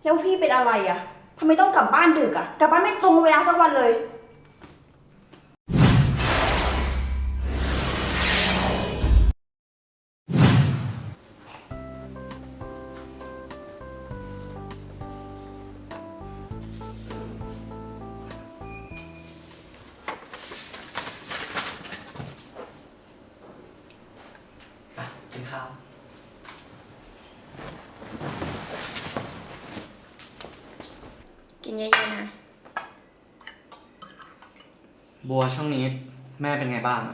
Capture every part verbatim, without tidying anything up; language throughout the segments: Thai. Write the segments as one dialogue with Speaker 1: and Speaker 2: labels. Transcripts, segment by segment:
Speaker 1: แล้วพี่เป็นอะไรอ่ะทำไมต้องกลับบ้านดึกอ่ะกลับบ้านไม่ตรงเวลาสักวันเลย
Speaker 2: กินข้าว
Speaker 1: กินเยอะๆนะ
Speaker 2: บัวช่วงนี้แม่เป็นไงบ้าง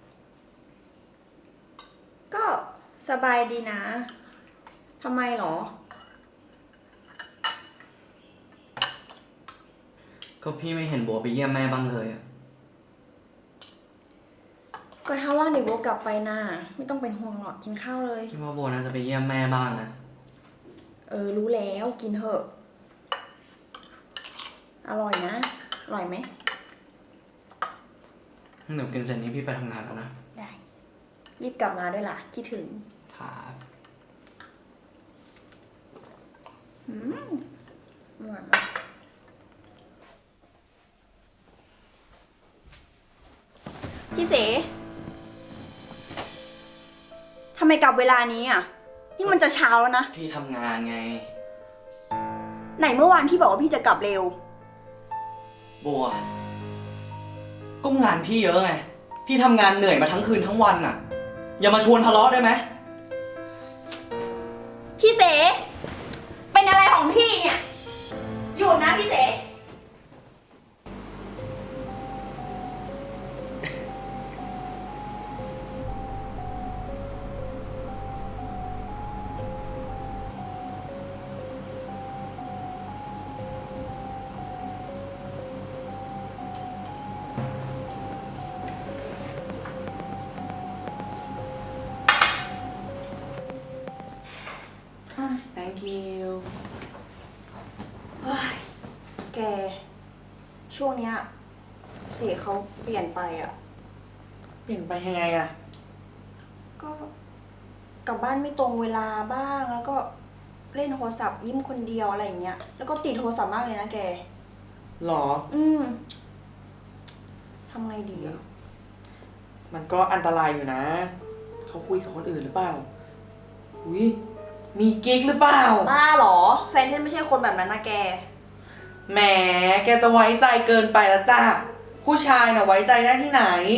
Speaker 1: ก็สบายดีนะทำไมหรอ
Speaker 2: ก็พี่ไม่เห็นบัวไปเยี่ยมแม่บ้างเลยอะ
Speaker 1: ก็ถ้าว่างเดี๋ยวโบกลับไปนะไม่ต้องเป็นห่วงหรอกกินข้าวเลย
Speaker 2: พี่ว่าบัวน่าจะไปเยี่ยมแม่บ้างนะ
Speaker 1: เออรู้แล้วกินเถอะอร่อยนะอร่อยไหม
Speaker 2: หนูกินเสร็จนี้พี่ไปทำงานแล้วนะ
Speaker 1: ได้รีบกลับมาด้วยล่ะคิดถึง
Speaker 2: ครับ
Speaker 1: อืมอร่อยมากพี่เสทำไมกลับเวลานี้อ่ะนี่มันจะเช้าแล้วนะ
Speaker 2: พี่ทำงานไง
Speaker 1: ไหนเมื่อวานพี่บอกว่าพี่จะกลับเร็ว
Speaker 2: บัวก็งานพี่เยอะไงพี่ทำงานเหนื่อยมาทั้งคืนทั้งวันอ่ะอย่ามาชวนทะเลาะได้ไหม
Speaker 1: พี่เสเป็นอะไรของพี่เนี่ยหยุดนะพี่เส
Speaker 2: thank you
Speaker 1: เฮ้ยแกช่วงเนี้ยเสเขาเปลี่ยนไปอ่ะ
Speaker 2: เปลี่ยนไปยังไงอะ
Speaker 1: ก็กลับบ้านไม่ตรงเวลาบ้างแล้วก็เล่นโทรศัพท์ยิ้มคนเดียวอะไรอย่างเงี้ยแล้วก็ติดโทรศัพท์มากเลยนะแก
Speaker 2: หรอ
Speaker 1: อืมทำไงดีอ่ะ
Speaker 3: มันก็อันตรายอยู่นะเขาคุยกับคนอื่นหรือเปล่าอุ้ยมีกิ๊กหรือเปล่า
Speaker 1: บ้าหรอแฟนฉันไม่ใช่คนแบบนั้นนะแก
Speaker 3: แหมแกจะไว้ใจเกินไปแล้วจ้าผู้ชายน่ะไว้ใจได้ที่ไหน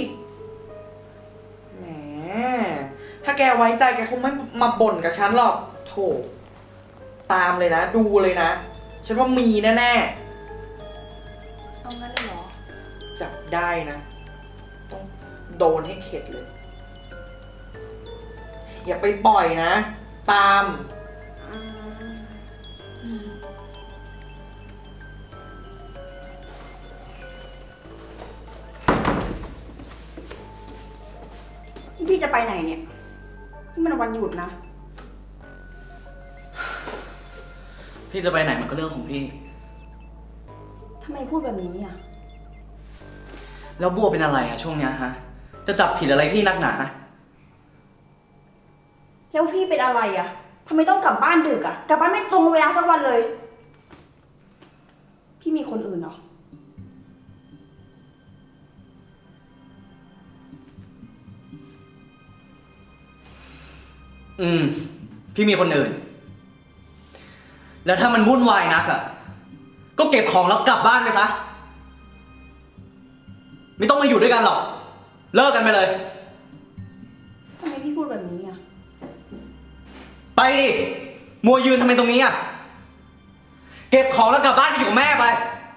Speaker 3: แหมถ้าแกไว้ใจแกคงไม่มาบ่นกับฉันหรอกโถตามเลยนะดูเลยนะฉันว่ามีแน่
Speaker 1: ๆเอางั้นเลยเหรอ
Speaker 3: จับได้นะต้องโดนให้เข็ดเลยอย่าไปปล่อยนะตาม
Speaker 1: พี่จะไปไหนเนี่ยนี่มันวันหยุดนะ
Speaker 2: พี่จะไปไหนมันก็เรื่องของพี่
Speaker 1: ทำไมพูดแบบนี้อ่ะ
Speaker 2: แล้วบัวเป็นอะไรอะช่วงเนี้ยฮะจะจับผิดอะไรพี่นักหนา
Speaker 1: แล้วพี่เป็นอะไรอ่ะทำไมต้องกลับบ้านดึกอ่ะกลับบ้านไม่ตรงเวลาสักวันเลยพี่มีคนอื่นเหรอ
Speaker 2: อืมพี่มีคนอื่นแล้วถ้ามันวุ่นวายนักอ่ะก็เก็บของแล้วกลับบ้านไปซะไม่ต้องมาอยู่ด้วยกันหรอกเลิกกันไปเลย
Speaker 1: ทำไมพี่พูดแบบนี้อ่ะ
Speaker 2: ไปดิมัวยืนทำไมตรงนี้อ่ะเก็บของแล้วกลับบ้านไปอยู่กับแม่ไป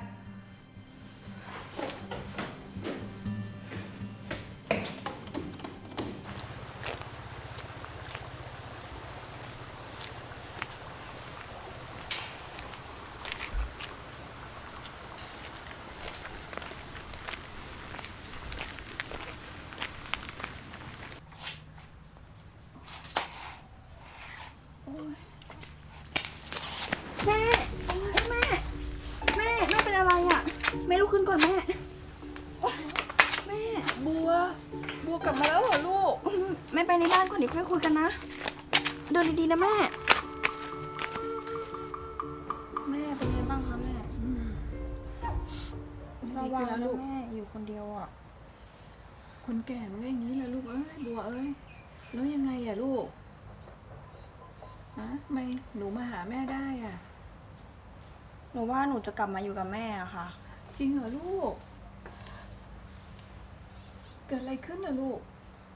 Speaker 1: แม่แม่แม่แม่เป็นอะไรอ่ะแม่ลุกขึ้นก่อนแม่แม่
Speaker 4: บัวบัวกลับมาแล้วเหรอลูก
Speaker 1: แม่ไปในบ้านก่อนเดี๋ยวค่อยคุยกันนะเดินดีๆนะแม่
Speaker 4: แม่
Speaker 1: ระวัง
Speaker 4: ขึ้นแล้ว
Speaker 1: นะ
Speaker 4: ลูก
Speaker 1: แม่อยู่คนเดียวอ่ะ
Speaker 4: คนแก่มันก็อย่างนี้แหละลูกเอ้ยบัวเอ้ยแล้วยังไงอะลูกฮะทำไมหนูมาหาแม่ได้อะ
Speaker 1: หนูว่าหนูจะกลับมาอยู่กับแม่อะค่ะ
Speaker 4: จริงเหรอลูก เกิดอะไรขึ้นอะลูก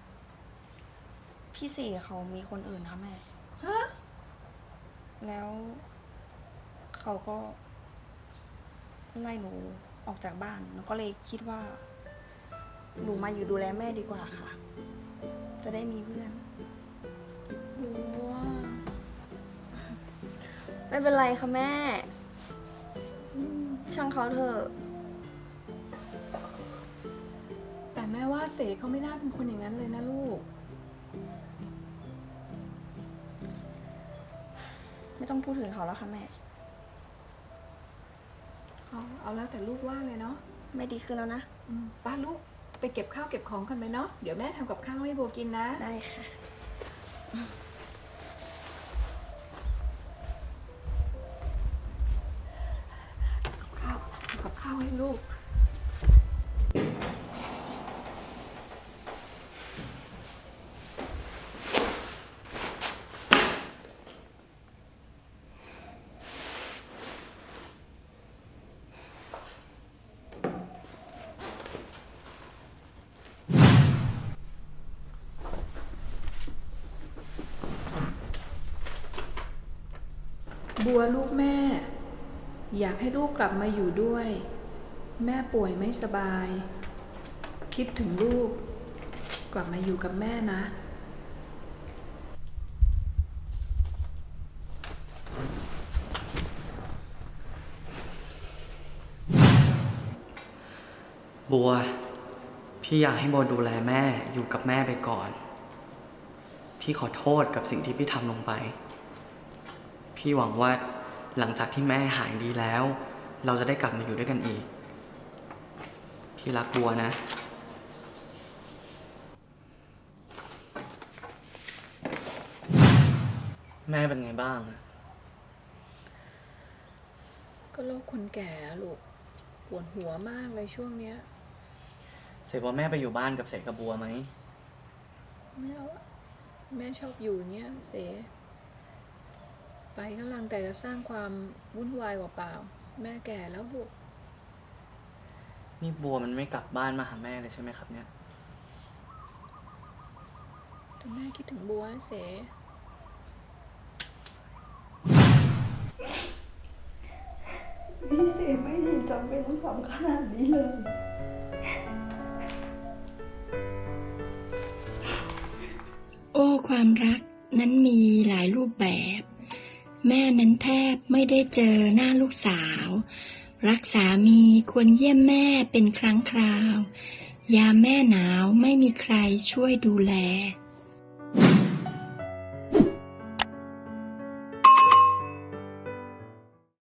Speaker 1: พี่สี่เขามีคนอื่นค่ะแม่
Speaker 4: ฮะ
Speaker 1: แล้วเขาก็ไล่หนูออกจากบ้าน หนูก็เลยคิดว่า หนูมาอยู่ดูแลแม่ดีกว่าค่ะ จะได้มีเพื่อน
Speaker 4: บัว
Speaker 1: ไม่เป็นไรค่ะแม่อืมช่างเขาเถอะ
Speaker 4: แต่แม่ว่าเสกเขาไม่น่าเป็นคนอย่างนั้นเลยนะลูก
Speaker 1: ไม่ต้องพูดถึงเขาแล้วค่ะแม่
Speaker 4: เอาเอาแล้วแต่ลูกว่าเลยเนาะ
Speaker 1: ไม่ดีขึ้นแล้วนะ
Speaker 4: อืมป้าลูกไปเก็บข้าวเก็บของกันไหมเนาะ เดี๋ยวแม่ทำกับข้าวให้บัวกินนะ
Speaker 1: ได้ค่ะ
Speaker 4: ข้าวทำกับข้าวให้ลูก บัวลูกแม่ อยากให้ลูกกลับมาอยู่ด้วย แม่ป่วยไม่สบาย คิดถึงลูก กลับมาอยู่กับแม่นะ
Speaker 2: บัว พี่อยากให้บัวดูแลแม่อยู่กับแม่ไปก่อน พี่ขอโทษกับสิ่งที่พี่ทำลงไป พี่หวังว่าหลังจากที่แม่หายดีแล้ว เราจะได้กลับมาอยู่ด้วยกันอีก พี่รักบัวนะ แม่เป็นไงบ้าง
Speaker 4: ก็โรคคนแก่อะลูก ปวดหัวมากเลยช่วงเนี้ย
Speaker 2: เสกว่าแม่ไปอยู่บ้านกับเสกกับบัวไหม
Speaker 4: ไม่เอาอะแม่ชอบอยู่อย่างเงี้ยเส ไปก็ลังแต่จะสร้างความวุ่นวายเปล่าๆแม่แก่แล้วลูก
Speaker 2: นี่บัวมันไม่กลับบ้านมาหาแม่เลยใช่ไหมครับเนี่ย
Speaker 4: แต่แม่คิดถึงบัวเส
Speaker 1: พี่เสไม่เห็นจำเป็นต้องทำขนาดนี้เลย
Speaker 5: โอ้ความรักนั้นมีหลายรูปแบบ แม่นั้นแทบไม่ได้เจอหน้าลูกสาว รักสามีควรเยี่ยมแม่เป็นครั้งคราว ยามแม่หนาวไม่มีใครช่วยดูแล